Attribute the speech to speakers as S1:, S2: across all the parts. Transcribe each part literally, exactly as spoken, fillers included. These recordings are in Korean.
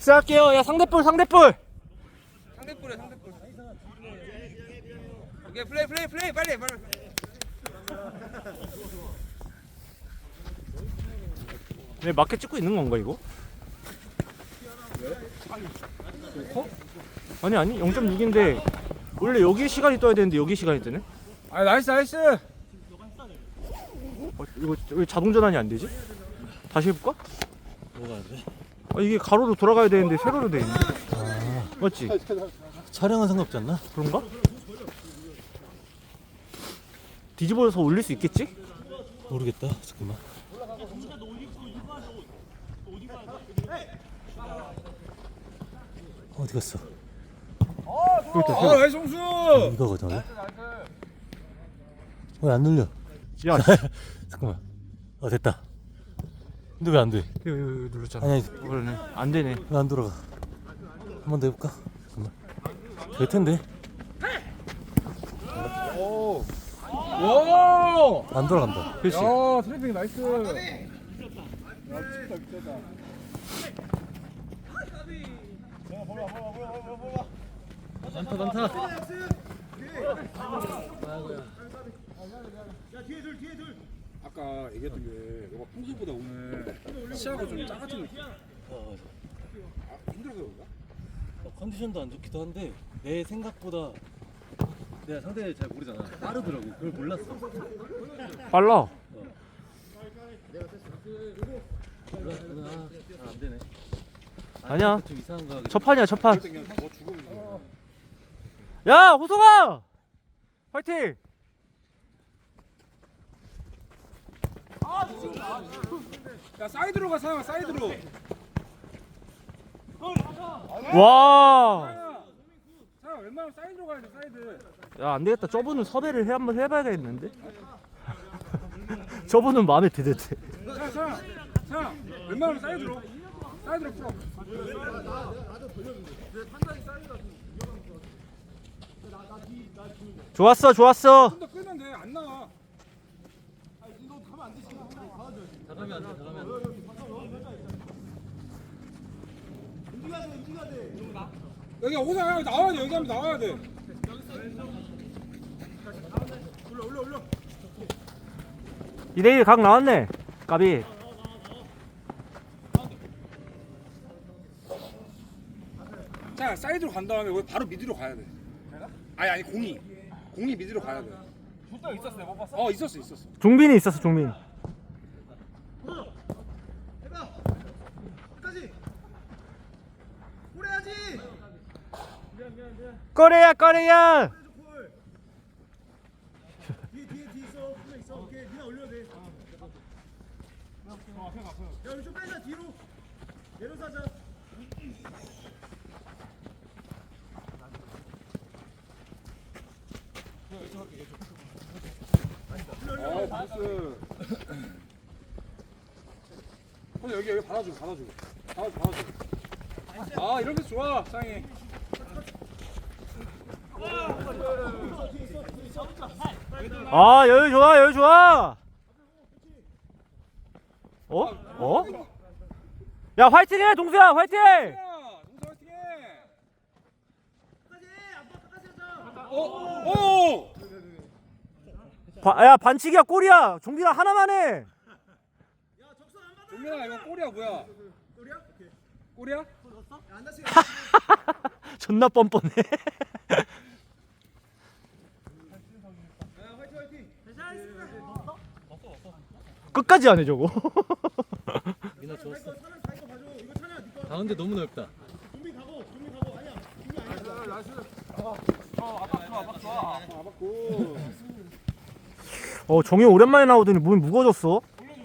S1: 시작할게요. 야 상대볼 상대볼.
S2: 상대볼에 상대볼. 오케이 플레이 플레이 플레이 빨리 빨리.
S1: 왜 마켓 찍고 있는 건가 이거? 어? 아니 아니 영 점 육인데 원래 여기 시간이 떠야 되는데 여기 시간이 뜨네?
S2: 아 나이스 나이스.
S1: 어, 이거 왜 자동 전환이 안 되지? 다시 해볼까?
S3: 뭐가 안 돼?
S1: 아, 이게 가로로 돌아가야 되는데 세로로 돼 있네.
S3: 아,
S1: 맞지?
S3: 촬영은 상관없지 않나?
S1: 그런가? 뒤집어서 올릴 수 있겠지?
S3: 모르겠다. 잠깐만. 어디 갔어?
S1: 그렇다.
S2: 아 나이스 송수.
S3: 이거거든. 왜 안 눌려?
S1: 야,
S3: 잠깐만. 어 됐다. 근데 왜 안 돼?
S1: 이거, 이거, 이거 눌렀잖아.
S3: 아니
S1: 그러네. 안 되네.
S3: 왜 안 돌아가? 한 번 더 해볼까? 잠깐만. 될 텐데.
S2: 오. 오.
S3: 안 돌아간다.
S1: 그렇지.
S2: 야 트래핑 나이스.
S3: 많다 많다.
S2: 아까 얘기했던 게 너가 평소보다 오늘 시야가 좀 작아진 느낌.
S3: 어,
S2: 아, 힘들어서 그런가?
S3: 어, 컨디션도 안 좋기도 한데 내 생각보다 내가 상대를 잘 모르잖아. 빠르더라고. 그걸 몰랐어.
S1: 빨라.
S3: 몰랐구나. 아, 안 되네.
S1: 아니야.
S3: 좀 이상한 거.
S1: 첫 판이야 첫 판.
S2: 그냥 더 죽으면
S1: 야 호성아! 화이팅!
S2: 야 사이드로 가 사영아 사이드로.
S1: 와!
S2: 사영아 웬만하면 사이드로 가야 돼 사이드.
S1: 야 안되겠다. 저분은 섭외를 해 한번 해봐야겠는데? 저분은 마음에 드는데.
S2: 자, 자, 자, 웬만하면 사이드로, 사이드로 풀어.
S1: 좋았어 좋았어.
S2: 좀 더 끄면 돼, 안 나와.
S3: 다 가면 안 돼. 다 가면 안 돼.
S2: 여기 오사 여기 나와야 돼, 여기 하면 나와야 돼.
S1: 이 대 일 각 나왔네. 까비.
S2: 자, 사이드로 간 다음에 여기 바로 미드로 가야 돼. 아니 아니 공이, 공이 미드로 가야 돼. 줬다 있었어요, 못 봤어? 어, 있었어, 있었어.
S1: 종빈이 있었어 종빈. 꺼래야 꺼래야.
S2: 어, 나이스. 근데 여기 여기 받아주고, 받아주고, 받아주고, 받아주고. 아, 이런 게 좋아, 사장님.
S1: 아 여유 좋아 여유 좋아. 어? 어? 야 화이팅해 동수야 화이팅!
S2: 야, 동서 화이팅해. 어, 오.
S1: 바, 야 반칙이야 골이야. 종빈아 하나만 해.
S2: 종민아 이거 골이야 뭐야? 골이야? 골이야?
S1: 존나 뻔뻔해. 끝까지 안 해 저거.
S3: 민아 좋았어. 가운데 너무 넓다. 어
S1: 정이 오랜만에 나오더니 몸이 무거워졌어.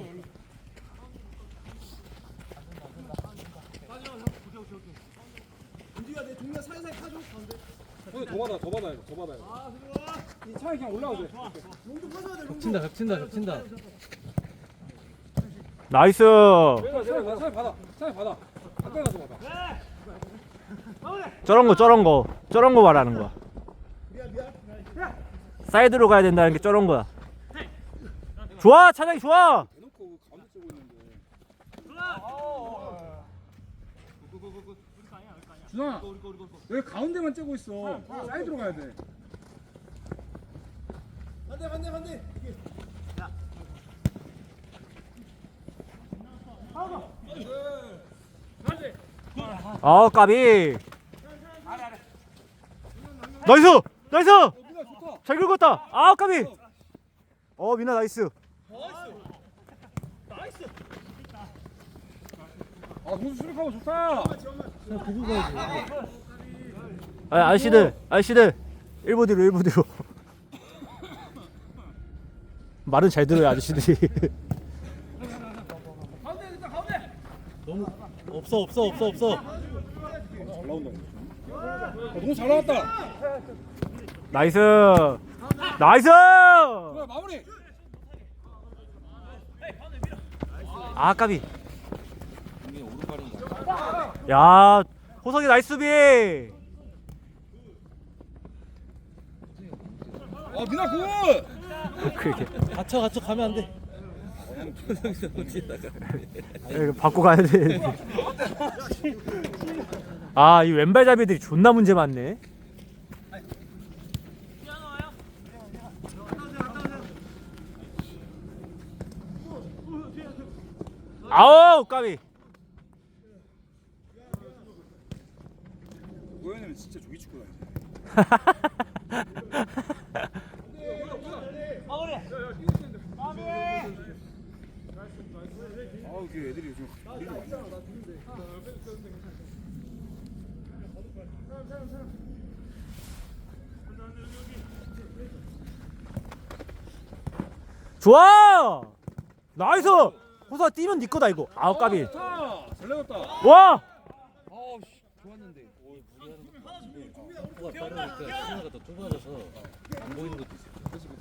S2: 형이 더 받아, 더 받아야 돼, 더 받아야 돼. 이 차에 그냥 올라와도 돼.
S3: 겹친다 겹친다 겹친다.
S1: 나이스.
S2: 내가 내가 차에 받아, 차에 받아. 가까이 가서 받아.
S1: 저런 거 저런 거 저런 거 말하는 거야. 사이드로 가야 된다는 게 저런 거야. 좋아 차장이 좋아.
S2: 대놓고 가운데 쓰고 있는데. 준아 왜 가운데만 째고 있어? 사이드로 가야 돼.
S3: 반대 반대 반대.
S1: 아 까비. 나이스 나이스.
S2: 민아 좋다.
S1: 잘 긁었다. 아 까비. 어 민아 나이스.
S2: 아 공수 수력하고 좋다.
S3: 그냥 보고 가야지.
S1: 아 아저씨들 아저씨들 일 부 뒤로 일 부 뒤로. 말은 잘 들어요 아저씨들이.
S3: 너무 없어 없어 없어 없어.
S2: 잘 나온다. 아, 너무 잘 나왔다.
S1: 나이스 나이스.
S2: 준아 마무리.
S1: 아 까비. 야 호석이 나이스 수비.
S2: 아 민아 굿.
S1: 그렇게
S3: 갇혀 갇혀 가면 안 돼.
S1: 이거 받고 가야 돼. 아 이 왼발잡이들이 존나 문제 많네. 아우 까비.
S2: 고현이는 진짜 조기 축구다 이제. 아우 그 애들이 요즘 우리도 많이 나.
S1: 좋아 나이스. 호사 뛰면 네 거다 이거. 아우 까비.
S2: 좋다. 잘 나갔다.
S1: 와
S2: 아우 씨 좋았는데.
S3: tempo가 빠르니까 시야가 더 좁아져서 안 보이는 것도 있어.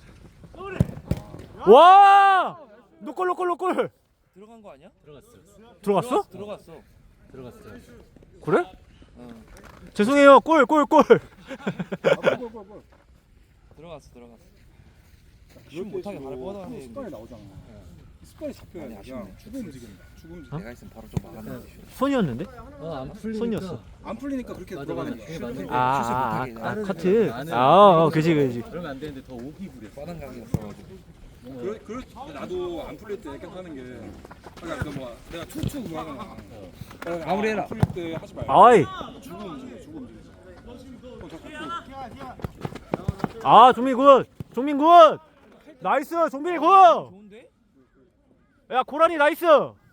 S1: 와! 노골 노골 노골.
S4: 들어간 거 아니야?
S3: 들어갔어.
S1: 들어갔어?
S4: 들어갔어.
S3: 들어갔어.
S1: 그래?
S4: 어.
S1: 죄송해요. 골 골 골.
S2: 골골골골.
S4: 들어갔어. 들어갔어. 슛 못하게 바로 뻗어가네.
S2: 습관이 나오잖아. 습관이 잡혀야
S4: 많이
S2: 돼.
S4: 아쉽네.
S2: 그냥 축구 움직인다. 축구 움직임.
S4: 내가 있으면 바로 좀 막았는데. 슛.
S1: 손이었는데?
S3: 어안 풀리니까.
S1: 손이었어.
S2: 안 풀리니까 그렇게
S3: 맞아,
S2: 들어가는
S3: 맞아.
S2: 거야.
S3: 그게 맞는
S1: 아,
S3: 거야.
S1: 아,
S4: 슛을
S1: 아,
S4: 못하게
S1: 아,
S4: 나는
S1: 카트.
S3: 나는
S1: 아, 어, 그지 그지.
S3: 그러면 안 되는데 더 오기 부려.
S4: 뻔한 각이었어가지고.
S2: 그래, 그래, 나도 안 풀릴 때 이렇게 하는 게, 그러니까 그 뭐, 내가 투투 그거 하잖아. 그러니까
S4: 마무리해라.
S2: 안 풀릴 때 하지 말고.
S1: 아이.
S2: 주고 움직여, 주고 움직이자. 그럼 더 잡고.
S1: 아, 종민 굿. 종민 굿. 나이스. 종민이 굿.
S4: 좋은데?
S1: 야, 고라니 나이스.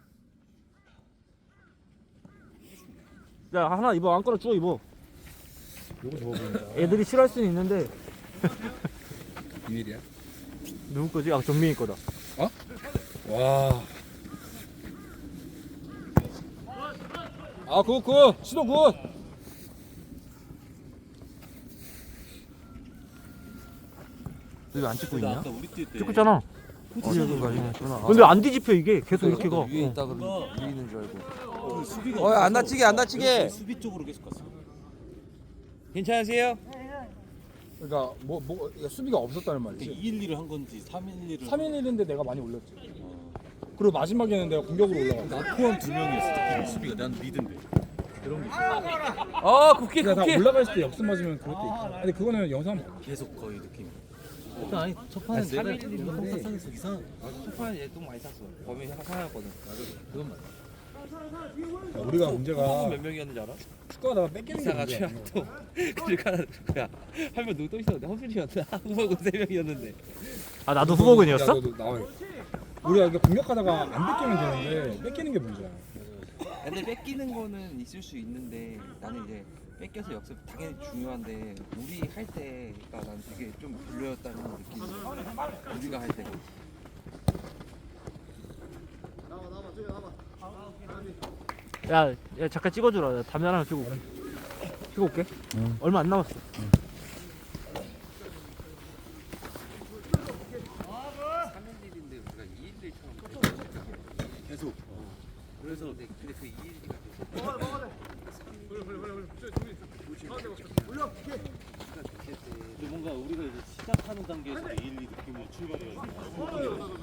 S1: 야, 하나 입어. 안 꺼라 줘 입어.
S2: 요거 좋아 보인다.
S1: 애들이 싫어할 수는 있는데
S2: 비밀이야?
S1: 누구 거지? 아, 종민이 거다.
S2: 와. 아, 굿, 굿. 시동 굿.
S1: 왜 안 찍고
S3: 나
S1: 있냐?
S3: 아까 우리 뛸 때.
S1: 찍고 있잖아.
S3: 포지션이
S1: 근데 안 뒤집혀 이게. 계속 이렇게 가.
S4: 위에
S1: 어.
S4: 있다 그러면 위에 있는 줄 알고.
S3: 그 수비가.
S4: 어, 안
S3: 없어서
S4: 다치게, 안 다치게.
S3: 수비 쪽으로 계속 갔어.
S4: 괜찮으세요?
S2: 그러니까 뭐, 뭐 수비가 없었다는
S3: 그러니까
S2: 말이지.
S3: 이 일 이를 한 건지 삼 일 일을.
S2: 삼 일 일인데 내가 많이 올렸지. 그리고 마지막에는 내가 공격으로 올라갔어.
S3: 나 포함 두 명이었어. 특히 수비가 난 리드인데. 그런 게 있어.
S4: 어, 국회
S2: 그러니까 다
S4: 국회.
S2: 올라갈 때 역습 맞으면 그럴 때 있어. 근데 그거는 영상 봐.
S3: 계속 거의 느낌. 일단 아니 첫 판은
S4: 아니,
S3: 내가
S4: 삼 일 일인데.
S3: 내가 항상에서 이상.
S4: 초판에 얘똥 많이 샀어. 범위 약간 상하였거든.
S3: 그건 맞아.
S2: 우리가 문제가
S4: 몇 명이었는지 알아?
S2: 축구하다가 뺏기는 게
S4: 이사가
S2: 문제야.
S4: 최악도. 그러니까 야, 한 명 누구 또 있었는데 허준이었나? 후보군 세 명이었는데.
S1: 아, 나도 후보군이었어?
S2: 야, 너도 나와. 우리가 이게 공격하다가 안 뺏기면 되는데 뺏기는 게 문제야.
S4: 근데 뺏기는 거는 있을 수 있는데 나는 이제 뺏겨서 역습 당연히 중요한데 우리 할 때가 난 되게 좀 별로였다는 느낌이 우리가 할 때가
S1: 야, 야 잠깐 찍어주라. 나 담배 하나 피고 올게. 피고 올게. 얼마 안 남았어.
S4: 삼 일 일인데 우리가 이 일 일처럼
S2: 계속.
S4: 그래서 근데 그 이 일 일이가
S3: 근데 뭔가 우리가 이제 시작하는 단계에서 이 일 이 느낌으로 출발해가지고.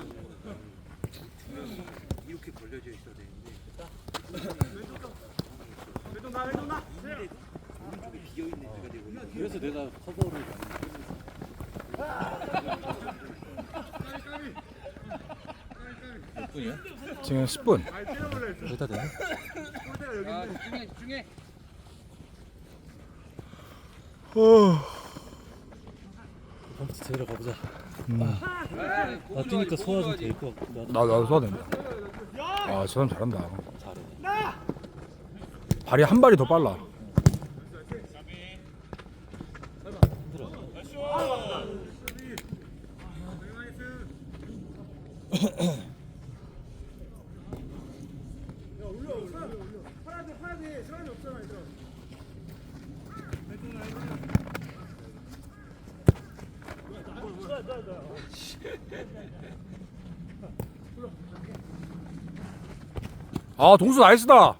S4: 이렇게 걸려져 있어야 되는데
S3: 그래서 내가 커버를 몇 분이야?
S5: 지금 십 분.
S3: 여기다 되네?
S2: 아 집중해 집중해.
S3: 컴퓨터 데리러 가보자.
S5: 음.
S3: 나 뛰니까 소화 좀 될 것 같고.
S5: 나 나도 소화된다. 아, 저 사람 잘한다.
S3: 잘해.
S5: 발이 한 발이 더 빨라. 아, 동수 나이스다.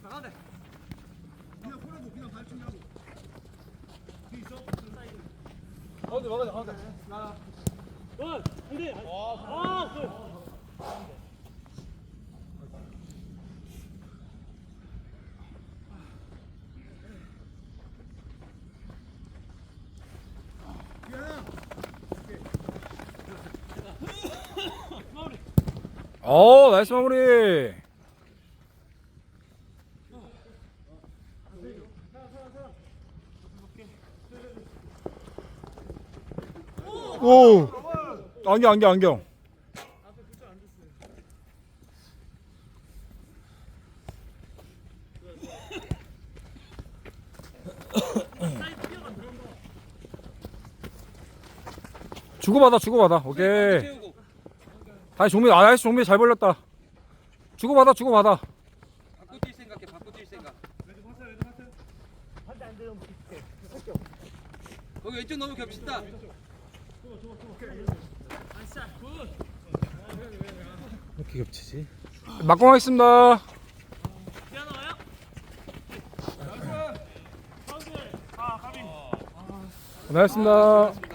S5: 어, 나이스 마무리. 오, 안경 안경 안경. 주고받아 주고받아. 오케이. 다시 종민, 아 다시 종민 잘 벌렸다. 주고받아 주고받아.
S2: 바꿔 뛸 생각해 바꿔 뛸 생각. 거기 왼쪽 너무 겹친다.
S3: 이렇게 겹치지?
S5: 막공하겠습니다. 고생하셨습니다.